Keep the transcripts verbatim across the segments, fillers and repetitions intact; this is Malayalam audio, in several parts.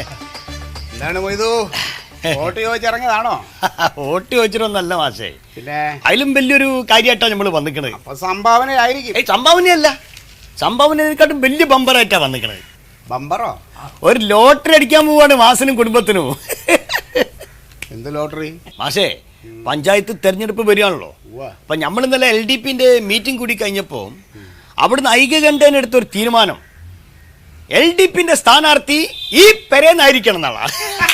എന്താണ് മൊയ്തു വോട്ട് ചോദിച്ചിറങ്ങിയതാണോ? വോട്ട് ചോദിച്ചിട്ടൊന്നല്ല മാഷേ, പിന്നെ അതിലും വലിയൊരു കാര്യമായിട്ടാണ് നമ്മൾ വന്നിക്കണത്. അപ്പൊ സംഭാവനയായിരിക്കും. ഏയ് സംഭാവനയല്ല, സംഭാവനയെക്കാട്ടും വലിയ ബമ്പറായിട്ടാ വന്നിക്കണത്. ബമ്പറോ? ഒരു ലോട്ടറി അടിക്കാൻ പോവാണ് മാസനും കുടുംബത്തിനും. എന്ത് ലോട്ടറി? മാഷേ, പഞ്ചായത്ത് തെരഞ്ഞെടുപ്പ് വരികയാണല്ലോ. അപ്പൊ നമ്മൾ ഇന്നലെ എൽ ഡി പിന്റെ മീറ്റിംഗ് കൂടി കഴിഞ്ഞപ്പോ അവിടുന്ന് ഐക്യകണ്ഠേന എടുത്തൊരു തീരുമാനം, എൽ ഡി പിന്റെ സ്ഥാനാർത്ഥി ഈ പെരേന്നായിരിക്കണം എന്നാളാ.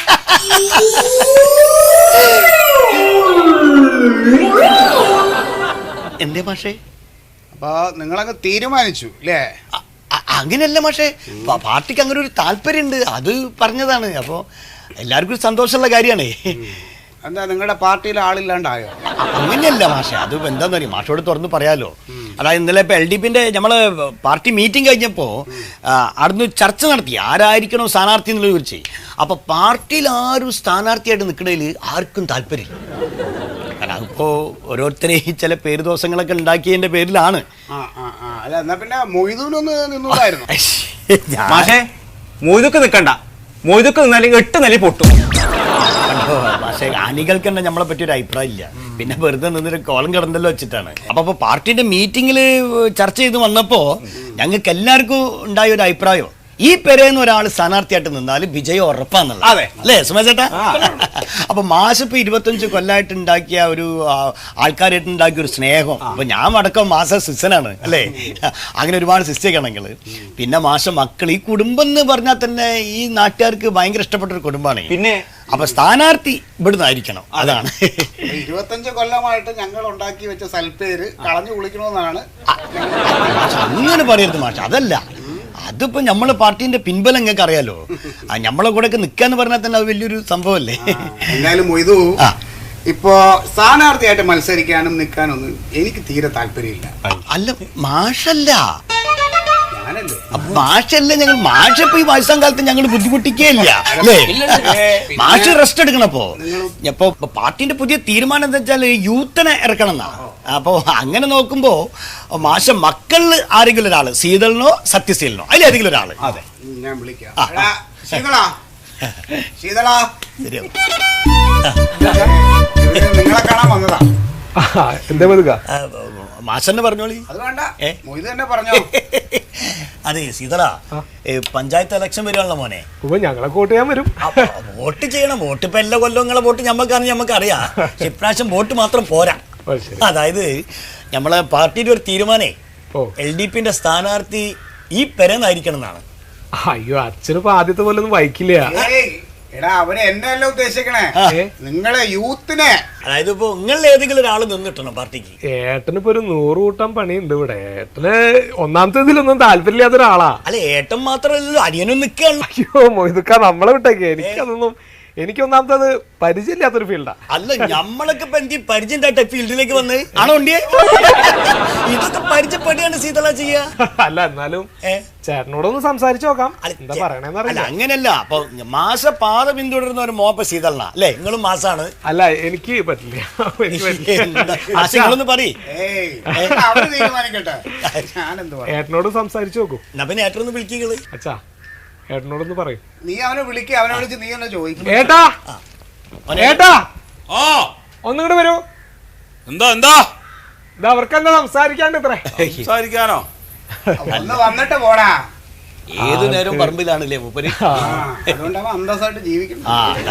എന്തേ മാഷേ? അപ്പൊ നിങ്ങളങ്ങ് തീരുമാനിച്ചു അല്ലേ? അങ്ങനെയല്ല മാഷേ, പാർട്ടിക്ക് അങ്ങനെ ഒരു താല്പര്യമുണ്ട്, അത് പറഞ്ഞതാണ്. അപ്പോ എല്ലാവർക്കും ഒരു സന്തോഷമുള്ള കാര്യമാണ്. എന്താ നിങ്ങളുടെ പാർട്ടിയിൽ ആളില്ലാണ്ടായോ? അങ്ങനെയല്ല മാഷെ, അത് എന്താന്ന് പറയും, മാഷോട് തുറന്ന് പറയാലോ. അതായത് ഇന്നലെ ഇപ്പൊ എൽ ഡി പിന്റെ നമ്മള് പാർട്ടി മീറ്റിംഗ് കഴിഞ്ഞപ്പോ അവിടുന്ന് ചർച്ച നടത്തി ആരായിരിക്കണോ സ്ഥാനാർത്ഥി എന്നുള്ളത് കുറിച്ച്. അപ്പൊ പാർട്ടിയിൽ ആരും സ്ഥാനാർത്ഥിയായിട്ട് നിൽക്കണതിൽ ആർക്കും താല്പര്യമില്ല. കാരണം അതിപ്പോ ഓരോരുത്തരെ ചില പേര് ദോഷങ്ങളൊക്കെ ഉണ്ടാക്കിയതിന്റെ പേരിലാണ്. എന്നാ പിന്നെ മൊയ്തൂനൊന്ന് നിന്നൂടായിരുന്നു. മാഷേ, മൊയ്തൊക്കെ നിൽക്കണ്ട, മൊയ്തൊക്കെ നിന്നാലും എട്ട് നില പൊട്ടും. പക്ഷേ അണികൾക്ക് തന്നെ നമ്മളെ പറ്റി ഒരു അഭിപ്രായം ഇല്ല, പിന്നെ വെറുതെ നിന്നൊരു കോളം കിടന്നല്ലോ വെച്ചിട്ടാണ്. അപ്പൊ അപ്പൊ പാർട്ടിന്റെ മീറ്റിംഗിൽ ചർച്ച ചെയ്ത് വന്നപ്പോ ഞങ്ങൾക്ക് എല്ലാവർക്കും ഉണ്ടായ ഒരു അഭിപ്രായം, ഈ പെരേന്ന് ഒരാൾ സ്ഥാനാർത്ഥിയായിട്ട് നിന്നാൽ വിജയം ഉറപ്പാന്നുള്ളത്. അതെ അല്ലേ സുമേഷ് ചേട്ടാ? അപ്പൊ മാഷ് ഇപ്പൊ ഇരുപത്തഞ്ച് കൊല്ലമായിട്ട് ഉണ്ടാക്കിയ ഒരു ആൾക്കാരായിട്ട് ഉണ്ടാക്കിയ ഒരു സ്നേഹം, അപ്പൊ ഞാൻ അടക്കം മാസ സിസ്റ്റനാണ് അല്ലേ, അങ്ങനെ ഒരുപാട് സിസ്റ്റേക്കണെങ്കിൽ പിന്നെ മാഷ മക്കൾ, ഈ കുടുംബം എന്ന് പറഞ്ഞാൽ തന്നെ ഈ നാട്ടുകാർക്ക് ഭയങ്കര ഇഷ്ടപ്പെട്ട ഒരു കുടുംബമാണ്. പിന്നെ അപ്പൊ സ്ഥാനാർത്ഥി ഇവിടുന്ന് ആയിരിക്കണം, അതാണ്. ഇരുപത്തഞ്ച് കൊല്ലമായിട്ട് ഞങ്ങൾ ഉണ്ടാക്കി വെച്ച സൽപ്പേര് കളഞ്ഞു കുളിക്കണമെന്നാണ്. അങ്ങനെ പറയരുത് മാഷ, അതല്ല, അതിപ്പോ നമ്മളെ പാർട്ടിന്റെ പിൻബലം നിങ്ങൾക്ക് അറിയാലോ. നമ്മളെ കൂടെ ഒക്കെ നിക്കാന്ന് പറഞ്ഞാൽ തന്നെ അത് വലിയൊരു സംഭവമല്ലേ. എന്നാലും മൊയ്തു, ഇപ്പോ സ്ഥാനാർത്ഥിയായിട്ട് മത്സരിക്കാനും നിൽക്കാനൊന്നും എനിക്ക് തീരെ താല്പര്യമില്ല. അല്ല മാഷല്ല, ഞാനല്ലേ മാഷല്ലേ, ഞങ്ങൾ മാഷ ഇപ്പൊ ഈ വയസ്സാം കാലത്ത് ഞങ്ങൾ ബുദ്ധിമുട്ടിക്കേ ഇല്ല അല്ലേ. മാഷ് റെസ്റ്റ് എടുക്കണപ്പോ ഇപ്പൊ പാർട്ടിന്റെ പുതിയ തീരുമാനം എന്താ വെച്ചാൽ യൂത്തിനെ ഇറക്കണം എന്നാ. അപ്പൊ അങ്ങനെ നോക്കുമ്പോ മാഷ മക്കളിൽ ആരെങ്കിലും ഒരാള്, ശീതളിനോ സത്യശീലനോ അതിലേതെങ്കിലും ഒരാള്. അതെ, ഞാൻ വിളിക്കാം. ശീതളാ, ശീതളാ, ശരിയാവും. നിങ്ങളെ കാണാൻ വന്നതാ. എന്താ പതുക? മാഷന്നെ പറഞ്ഞോളി. അത് വേണ്ട, മൊയ്തു തന്നെ പറഞ്ഞോ. അതെ ശീതള, പഞ്ചായത്ത് ഇലക്ഷൻ വരുവാണല്ലോ മോനെ. ഞങ്ങളെ വോട്ട് ചെയ്യാൻ വരും. വോട്ട് ചെയ്യണം, വോട്ട് ഇപ്പൊ എല്ലാ കൊല്ലവും നിങ്ങളെ വോട്ട് ഞമ്മക്കാന്ന് ഞമ്മക്ക് അറിയാം. ഇപ്രാവശ്യം വോട്ട് മാത്രം പോരാ. അതായത് നമ്മളെ പാർട്ടിയുടെ ഒരു തീരുമാനേ എൽ ഡി പിന്റെ സ്ഥാനാർത്ഥി ഈ പെരന്നായിരിക്കണം എന്നാണ്. അയ്യോ, അച്ഛനിപ്പോ ആദ്യത്തെ പോലെ ഒന്നും വായിക്കില്ല. എടാ, അവര് എന്നെയല്ല ഉദ്ദേശിക്കണേ, നിങ്ങളെ യൂത്തിനെ. അതായത് ഇപ്പൊ നിങ്ങൾ ഏതെങ്കിലും ഒരാൾ നിന്നിട്ടണം പാർട്ടിക്ക്. ഏട്ടനിപ്പോ ഒരു നൂറ് കൂട്ടം പണിയുണ്ട് ഇവിടെ. ഏട്ടന് ഒന്നാമത്തെ ഇതിലൊന്നും താല്പര്യമില്ലാത്ത ഒരാളാ. അല്ല ഏട്ടൻ മാത്രമല്ലല്ലോ, അനിയനും നിൽക്കുകയാണ്. അയ്യോ മൊയ്തുക്ക, നമ്മളെ വിട്ടേക്ക്. എനിക്കതൊന്നും, എനിക്ക് ഒന്നാമത്തത് പരിചയമില്ലാത്തൊരു ഫീൽഡാ. അല്ല നമ്മളൊക്കെ ഇപ്പൊ എന്ത് പരിചയം ഫീൽഡിലേക്ക് വന്ന് ആണോ ഉണ്ടിയെ? ഇതൊക്കെ പരിചയപ്പെടുകയാണ് സീതള ചെയ്യാ. അല്ല എന്നാലും ചേട്ടനോടൊന്ന് സംസാരിച്ചു നോക്കാം, എന്താ പറയണേന്ന് അറിയില്ല. അങ്ങനെയല്ല, അപ്പൊ മാസ പാത പിന്തുടരുന്ന ഒരു മോപ്പ സീതള അല്ലേ, നിങ്ങളും മാസാണ്. അല്ല എനിക്ക് പറ്റില്ല. ആശയങ്ങളൊന്ന് പറയ്, ഏട്ടനോട് സംസാരിച്ചു നോക്കൂ. എന്നാ പിന്നെ ഏട്ടനൊന്ന് വിളിക്കുന്നത്. അച്ഛാ, ഏട്ടനോടൊന്ന് പറയും. നീ അവനെ വിളിക്കുക, അവനെ വിളിച്ച് നീ എന്നെ ചോദിക്കും. ഏട്ടാ, ഏട്ടാ, ഒന്നിങ്ങോട്ട് വരൂ. എന്താ എന്താ ഇത് അവർക്ക് എന്താ സംസാരിക്കാണ്ട് ഇത്ര? സംസാരിക്കാനോ? ഒന്ന് വന്നിട്ട് പോടാ. ഏതു നേരവും പറമ്പിലാണല്ലേ മൂപ്പര്, അതുകൊണ്ട് അവൻ അന്തസ്സായിട്ട് ജീവിക്കണം.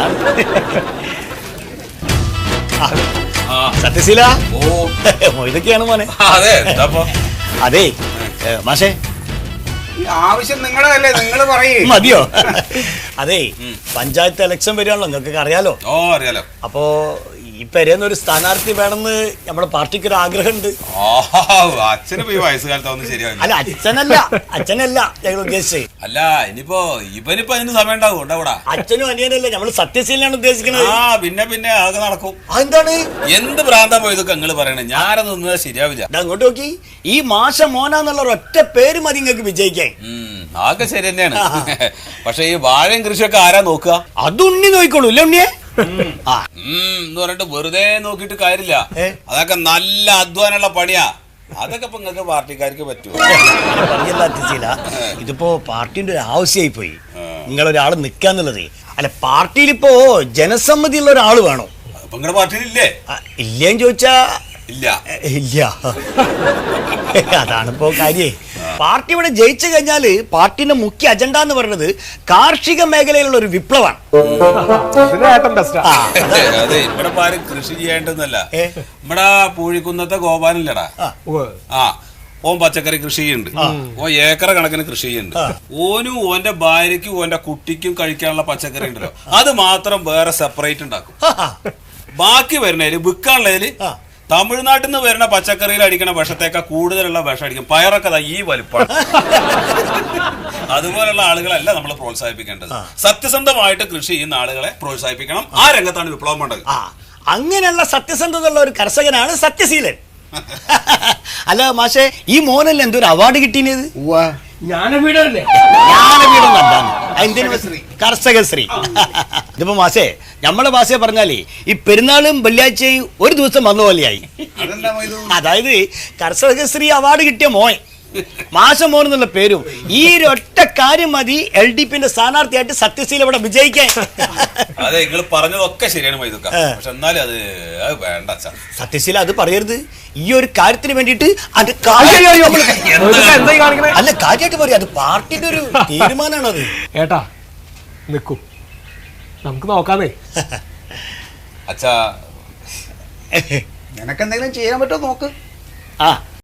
സത്യശീല, ഓ ഇതൊക്കെയാണ് മോനെ. അതെ അതെ മാഷേ, ആവശ്യം നിങ്ങളുടെ അല്ലേ, നിങ്ങൾ പറയേ മതിയോ? അതെ പഞ്ചായത്ത് ഇലക്ഷൻ വരികയാണല്ലോ, നിങ്ങൾക്കൊക്കെ അറിയാലോ. ഓ അറിയാലോ. അപ്പോ ഈ പെരേന്ന് ഒരു സ്ഥാനാർത്ഥി വേണമെന്ന് നമ്മുടെ പാർട്ടിക്ക് ഒരു ആഗ്രഹമുണ്ട്. അച്ഛനിപ്പോ ഈ വയസ്സുകാലത്ത് ഒന്നും ശരിയാവില്ല. അല്ല അച്ഛനല്ല, അച്ഛനല്ല ഞങ്ങൾ ഉദ്ദേശിച്ചത്. അല്ല ഇനിയിപ്പോ ഇവനിപ്പോ അതിന് സമയം ഉണ്ടാവും ഉണ്ടാവൂടാ. അച്ഛനും അനിയനല്ലേ, നമ്മള് സത്യശീലനാണ് ഉദ്ദേശിക്കുന്നത്. ആ പിന്നെ പിന്നെ ആകെ നടക്കും. അതെന്താണ് എന്ത് ഭ്രാന്താ പോയതൊക്കെ നിങ്ങൾ പറയണേ, ഞാനത് നിന്നത് ശരിയാവില്ല. അങ്ങോട്ട് നോക്കി, ഈ മാഷ മോനാന്നുള്ള ഒറ്റ പേര് മതി നിങ്ങൾക്ക് വിജയിക്കാൻ. ആകെ ശരി തന്നെയാണ്. പക്ഷെ ഈ വാഴയും കൃഷിയൊക്കെ ആരാ നോക്കുക? അത് ഉണ്ണി നോക്കിക്കോളൂ അല്ലേ ഉണ്ണിയെ? എന്ന് പറഞ്ഞിട്ട് വെറുതെ നോക്കിയിട്ട് കാര്യമില്ല. അതൊക്കെ നല്ല അധ്വാനമുള്ള പണിയാ. അതൊക്കെ ഇപ്പൊ നിങ്ങൾക്ക് പാർട്ടിക്കാർക്ക് പറ്റുമോ? പറയല്ല അത്യശീല, ഇതിപ്പോ പാർട്ടിന്റെ ഒരു ആവശ്യമായി പോയി നിങ്ങളൊരാൾ നിക്കാന്നുള്ളത്. അല്ല, പാർട്ടിയിൽ ഇപ്പോ ജനസമ്മതിയുള്ള ഒരാൾ വേണോ? അപ്പൊ നിങ്ങളുടെ പാർട്ടിയിലില്ലേ? ആ, ഇല്ലേന്ന് ചോദിച്ചാ ഇല്ല. ഇല്ല. അതാണിപ്പോ കാര്യേ. പാർട്ടി ഇവിടെ ജയിച്ചു കഴിഞ്ഞാല് പാർട്ടിന്റെ മുഖ്യ അജണ്ട എന്ന് പറയുന്നത് കാർഷിക മേഖലയിലുള്ള ഒരു വിപ്ലവമാണ്. ഇതിന് ഏട്ടൻ ബെസ്റ്റാ. ആ, അതെ, ഇവിടെ ഇപ്പൊ ആരും കൃഷി ചെയ്യേണ്ടതല്ല. ഏ? ഇവിടെ പൂഴിക്കുന്നത്തെ ഗോപാലല്ലടാ, ഉവ്വ്. ആ ഓൻ പച്ചക്കറി കൃഷി ചെയ്യുന്നുണ്ട്. ഓൻ ഏക്കറ കണക്കിന് കൃഷി ചെയ്യുന്നുണ്ട്. ഓനും ഓന്റെ ഭാര്യയ്ക്കും ഓന്റെ കുട്ടിക്കും കഴിക്കാനുള്ള പച്ചക്കറി ഉണ്ടല്ലോ, അത് മാത്രം വേറെ സെപ്പറേറ്റ് ഉണ്ടാക്കും. ബാക്കി വരുന്നതില് വിൽക്കാനുള്ളതില് തമിഴ്നാട്ടിൽ നിന്ന് വരുന്ന പച്ചക്കറിയിൽ അടിക്കണ വിഷത്തേക്കാൾ കൂടുതലുള്ള വിഷം അടിക്കും. പയറൊക്കെ ഈ വലുപ്പമാണ്. അതുപോലുള്ള ആളുകളല്ല നമ്മൾ പ്രോത്സാഹിപ്പിക്കേണ്ടത്. സത്യസന്ധമായിട്ട് കൃഷി ചെയ്യുന്ന ആളുകളെ പ്രോത്സാഹിപ്പിക്കണം. ആ രംഗത്താണ് വിപ്ലവം വേണ്ടത്. ആ, അങ്ങനെയുള്ള സത്യസന്ധതയുള്ള ഒരു കർഷകനാണ് സത്യശീലൻ. അല്ല മാഷെ, ഈ മോനല്ലേ എന്തൊരു അവാർഡ് കിട്ടിയത്? ജ്ഞാനപീഠമല്ലേ? ജ്ഞാനപീഠം എന്താണ്? എന്തിനു? കർഷകശ്രീ. ഇതിപ്പോ മാസേ, നമ്മളെ ഭാഷയെ പറഞ്ഞാലേ ഈ പെരുന്നാളും വെള്ളിയാഴ്ചയും ഒരു ദിവസം വന്ന പോലെയായി. അതെന്താ മൊയ്തു? അതായത് കർഷകശ്രീ അവാർഡ് കിട്ടിയ മോൻ മാഷ മോൻ എന്നുള്ള പേരും ഈ ഒരു ഒറ്റ കാര്യം മതി എൽ ഡി പിന്റെ സ്ഥാനാർത്ഥിയായിട്ട് സത്യശീല ഇവിടെ വിജയിക്കാൻ. അതെ, നിങ്ങൾ പറഞ്ഞതൊക്കെ ശരിയാണ് മൈതുക്ക, പക്ഷെ എന്നാലും അത് അത് വേണ്ട അച്ഛാ. സത്യശീല അത് പറയരുത്. ഈ ഒരു കാര്യത്തിന് വേണ്ടിയിട്ട് അത് എന്താ ഈ കാണിക്കണേ? അല്ല, കാര്യമായിട്ട് പറയാം, അത് പാർട്ടിയുടെ ഒരു തീരുമാനമാണ് അത്. ഏട്ടാ നിക്കൂ, നമുക്ക് നോക്കാന്നേ. അച്ഛാ, നിനക്കെന്തെങ്കിലും ചെയ്യാൻ പറ്റുമോ നോക്ക്. ആ